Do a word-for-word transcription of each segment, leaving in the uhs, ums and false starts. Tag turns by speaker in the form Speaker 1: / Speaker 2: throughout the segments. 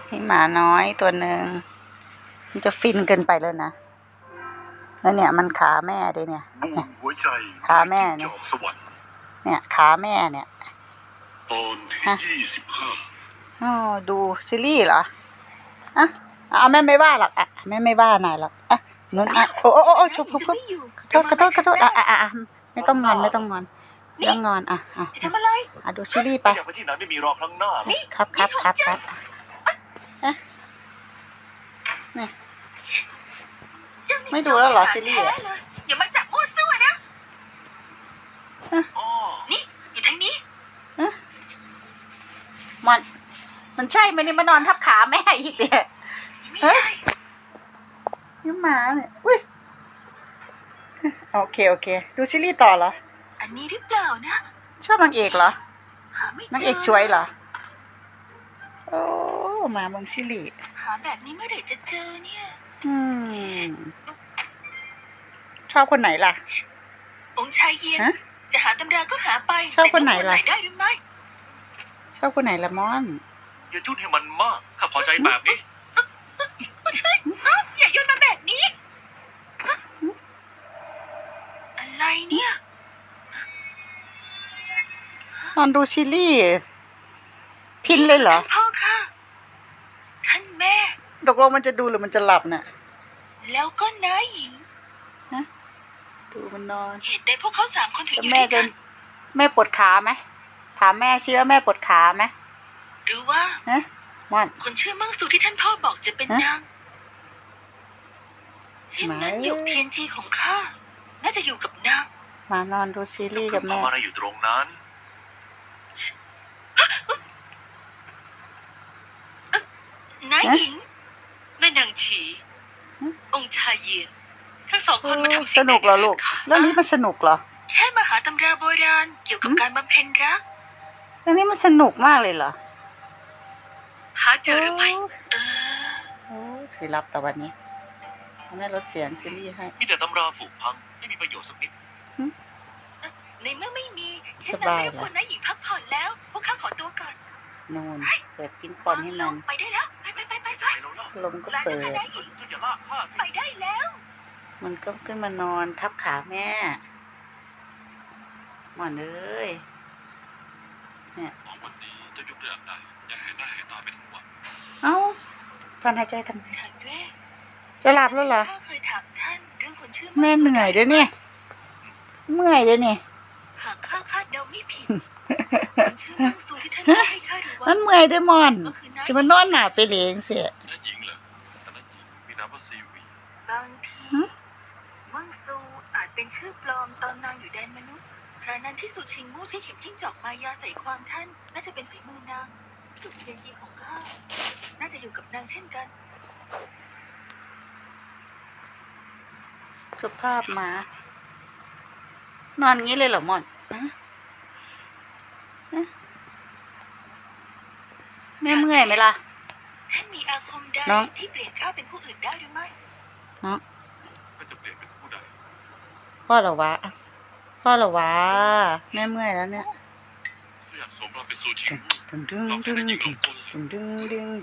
Speaker 1: นี่หมาน้อยตัวหนึ่งมันจะฟินเกินไปแล้วนะแล้วเนี่ยมันขาแม่ด้วยเนี่ยเนี่ยขาแม่เนี่ยเนี่ยขาแม่เนี่ย
Speaker 2: ตอนที่ยี่สิบห้า
Speaker 1: อ๋อดูซีรีส์เหรออ่ะเอาแม่ไม่ว่าหรอกอ่ะแม่ไม่ว่านายหรอกอ่ะนุ่นอ่ะโอ้โอ้โอ้ชมพูขอโทษขอโทษขอโทษอ่ะอ่ะอ่ะไม่ต้องงอนไม่ต้องงอนไม่ต้องงอนอ่ะอ่ะอ่ะดูซีรีส์ไป
Speaker 2: อยากไปที่ไหนไม่มีรอครั้งหน้า
Speaker 1: ครับครับครับครับอ่ะเนี่ยไม่ดูแล้วเหรอซีรีส์อ่ะ
Speaker 3: อย่ามาจับมั่วซั่วนะนี่อยู่ทางนี้
Speaker 1: มันมันใช่ไหมนี่มานอนทับขาแม่อีกเนี่ยเฮ้ยนี่หมาเนี่ยอุ้ยโอเคโอเคดูซีรีส์ต่อเหรอ
Speaker 3: อันนี้หรือเปล่านะ
Speaker 1: ชอบนางเอกเหรอนางเอกสวยเหรอโอ้มาเมืองซีรีส์
Speaker 3: หาแบบนี้เมื่อไหร่จะเจอเนี่ย
Speaker 1: อืมชอบคนไหนล่ะ
Speaker 3: องค์ชายเย็นจะหาตำราก็หาไป
Speaker 1: ชอบคนไหนล่ะ
Speaker 3: ได้หรือไม่
Speaker 1: ชอบคนไหนละม่อน
Speaker 2: อย่ายุ่นให้มันมากข้าพอใจแบบนี้
Speaker 3: อย่ายุ่นมาแบบนี้อะไรเนี่ย
Speaker 1: นอนดูซีรีส์พินเลยเหรอ
Speaker 3: พ่อค่ะท่านแม่
Speaker 1: ตกลงมันจะดูหรือมันจะหลับน่ะ
Speaker 3: แล้วก็น้าหญิง
Speaker 1: ฮะดูมันนอน
Speaker 3: เหตุใดพวกเขาสามคนถึงอยู่
Speaker 1: ด้วยกันแม่ปวดขาไหมถามแม่ชื่อว่าแม่ปวดขาไหม
Speaker 3: หรือว่า
Speaker 1: ฮะม่อน
Speaker 3: คนชื่อมั่งสูที่ท่านพ่อบอกจะเป็นนางเช่นนั้นหยกเทียนจีของข้าน่าจะอยู่กับนาง
Speaker 1: มานอนดูซีรีส์กับแม่
Speaker 2: ทำอะไรอยู่ตรงนั้น
Speaker 3: น้าหญิงแม่นางฉีองค์ชายเย็นทั้งสองคนมาทำ
Speaker 1: สนุกเหรอลูกเรื่องนี้มันสนุกเหรอ
Speaker 3: แค่มาหาตำราโบราณเกี่ยวกับการบำเพ็ญรัก
Speaker 1: เรื่องนี้มันสนุกมากเลยเหรอ
Speaker 3: หาเจอหรือไม่เออ
Speaker 1: โอ้ถือรับแต่วันนี้แม่ลดเสียงซีรีส์ให้
Speaker 2: มีแต่ตำราผุพังไม่มีประโยชน์สักนิด
Speaker 3: ในเมื่อไม่มีฉันนั้นไม่รบกวนน้าหญิงพักผ่อนแล้วพวกข้าขอตัวก่อน
Speaker 1: นูนเปิดปิ้งปอนให้มัน
Speaker 3: ไปได้แล้วไปไปไปไปไป
Speaker 1: ลมก็เปิด
Speaker 3: ไปได้แล้ว
Speaker 1: มันก็ขึ้นมานอนทับขาแม่หมอนเอ้ยเนี่ย
Speaker 2: สองวันนี้จะยุบเรื่องใดอย่าเห็นหน้าเห็นตาไปทั้งวัน
Speaker 1: เอ้าตอนหายใจทำไมจะหลับแล้วเหรอแม่เหนื่อยด้วยเนี่ยเมื่อยด้วยเนี่ย
Speaker 3: หากข้าคาดเดาไม่ผิดชื่อมั่งสูที่ท่านให้ข้าหรือว่า
Speaker 1: มันเมื่อยด้วยมอนจะมานอนหนาไปเลี้ยงเสีย
Speaker 2: น้าหญิงเหรอแต่น้าหญิงมีนามว่าซีวี
Speaker 3: บางทีมั่งสูอาจเป็นชื่อปลอมตอนนางอยู่แดนมนุษย์ครานั้นที่สุชิงมู่ใช้เข็มจิ้งจอกมายาใส่ความท่านน่าจะเป็นฝีมือนางสุดเทียนจีของข้าน่าจะอยู่กับนางเช่นกัน
Speaker 1: สภาพหมานอนงี้เลยเหรอมอนแม่เมื่อยไหมล่ะ
Speaker 3: ท่านมีอาคมใดที่เปลี่ยนข้าเป็นผู้อื่นได้หรือไม่
Speaker 1: เนาะ
Speaker 2: ก็จะเปลี่ยนเป็นผู้ใด
Speaker 1: พ่อเหรอวะพ่อเหรอวะแม่เมื่อยแล้วเนี่ย
Speaker 2: อยากสมเราเป็นซูชิ
Speaker 1: ดึงดึงดึงดึงดึงดึงดึง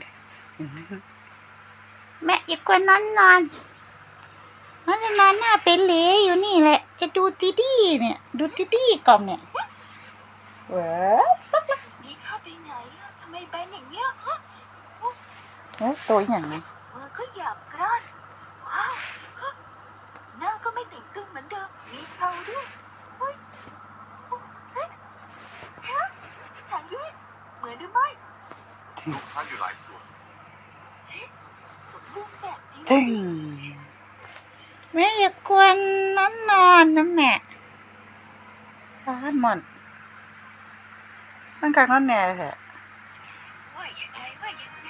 Speaker 1: แม่อย่ากวนนอนนอนมันจะนอนหน้าเป็นเหลยอยู่นี่แหละจะดูตีดีเนี่ยดูตีดีก่อนเนี่ยเว้ย
Speaker 3: นี่ข้าไปไหนทำไมแบนอย่างเงี้ยฮะ
Speaker 1: โอ้ตัวอย่างนี้
Speaker 3: มือก็หยาบกร้านว้าวหน้าก็ไม่ติ่งตึงเหมือนเดิมมีเทาด้วยเฮ้ยเฮ้ยฮะถามด้วยเหมือนหรือไม่
Speaker 2: ลูกค้าอยู่หลายส่วน
Speaker 3: เฮ้ยสมบูรณ์แบบ
Speaker 1: จริงแม่อย่ากวนนอนนอนนะแม่ร้านหมดตั้งกลางนอนแน่แหละ
Speaker 3: ว่าอย่างไรว่าอย่างไร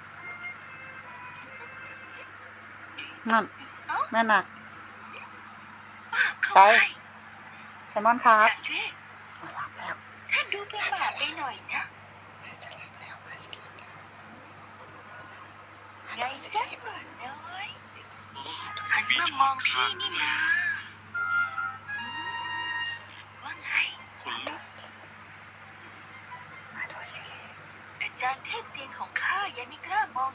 Speaker 1: นั่นแม่หนักใช่ไซมอนครับหลับแล้ว
Speaker 3: ท่านดูประหม่าไปหน่อยนะ
Speaker 1: จะหลับแล้วจะหลับแล้ว
Speaker 3: ไงจ๊ะเปิดน้อยหันมามองพี่นี่นะว่าไง
Speaker 2: คนลุก
Speaker 1: มาดูสิ
Speaker 3: อาจารย์เทพเซียนของข้ายังไม่กล้ามอง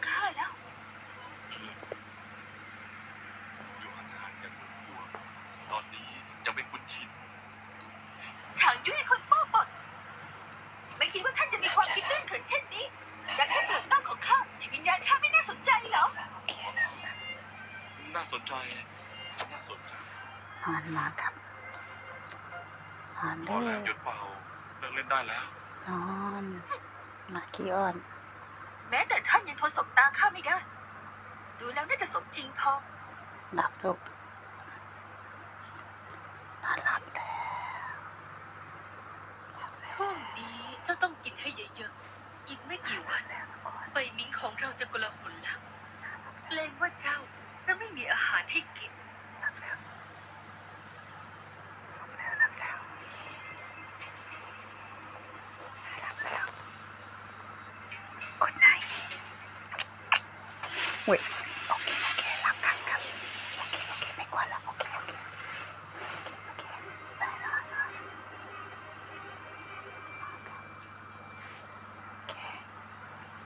Speaker 2: น่าสนใจ
Speaker 1: นอนนอนครับนอน
Speaker 2: พ
Speaker 1: เด้
Speaker 2: อ
Speaker 1: อ
Speaker 2: แล้วหยุดเป่าเลิกเล่นได้แล้ว
Speaker 1: นอนมาขี้อ้อน
Speaker 3: แม้แต่ท่านยังทนสบตาข้าไม่ได้ ดูแล้วน่าจะสมจริงพอ
Speaker 1: หลับลูกนอนหลับแล้ว
Speaker 3: ช่วงนี้เจ้าต้องกินให้เยอะๆ อีกไม่กี่วันใบมิ้งของเราจะกลาหนแล้วเกรงว่าเจ้าจะไม่มีอาหารให้กิน
Speaker 1: หลับแล้วหลับแล้วหลับแล้วหลับแล้วกดไหนเว้ย